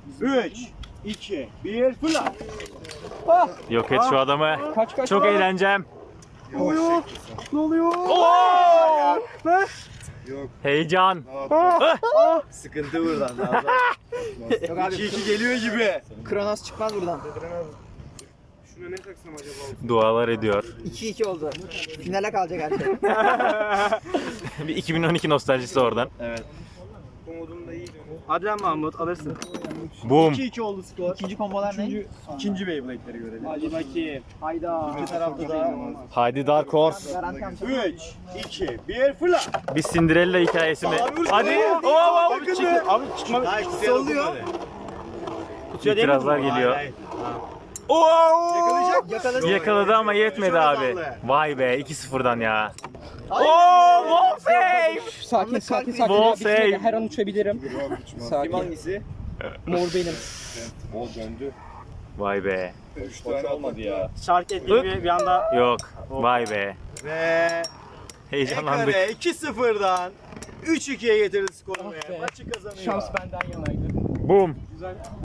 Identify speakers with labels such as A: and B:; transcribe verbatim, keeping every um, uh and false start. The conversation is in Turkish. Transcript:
A: üç, iki, bir, fırla.
B: Yok et şu adamı.
C: Kaç kaç.
B: Çok eğleneceğim.
C: Ne oluyor? Ne oluyor?
B: Oo!
A: Yok.
B: Heyecan.
A: Sıkıntı buradan.
C: Yok abi.
A: iki iki geliyor gibi.
C: Kronos çıkmaz buradan.
D: Şuna ne taksam acaba?
B: Dualar ediyor.
C: iki iki oldu. Finale kalacak her şey.
B: Bir iki bin on iki nostaljisi oradan.
A: Evet.
D: Bu modum da iyi.
A: Hadi lan Mahmut alırsın.
B: Boom.
A: iki iki oldu skor.
C: İkinci kombolar ne?
A: İkinci Beyblade'leri görelim.
D: Hadi bakayım.
C: Hayda.
A: İki tarafta da
B: Haydi Dark Horse.
C: Garanti amca.
A: üç, iki, bir, fırla.
B: Bir Cinderella hikayesi mi?
A: Abi,
B: Hadi.
A: abi,
B: Oo,
A: abi,
B: çık-
A: çık-
B: Abi çıkma.
A: Sallıyor.
B: İtirazlar geliyor. Oo!
A: Yakalayacak mı?
C: Yakaladı.
B: Yakaladı ama yetmedi
A: Çok
B: abi.
A: azaldı.
B: Vay be iki sıfırdan ya. Oo, wall save.
C: Sakin sakin sakin.
B: Ball
C: Ya, bitmedi.
B: save.
C: Her an uçabilirim.
A: Kim
C: Sakin.
A: hangisi?
C: Mor benim.
A: O döndü.
B: Vay be.
A: üç tane olmadı ya.
D: Şark ettiğimi bir anda
B: Yok. Vay be.
A: Ve
B: Heyecanlandık.
A: Ekare iki sıfırdan üç ikiye getirdi skoru.
C: Ah be.
A: Maçı kazanıyor.
C: Şans benden yanaydı.
B: Boom.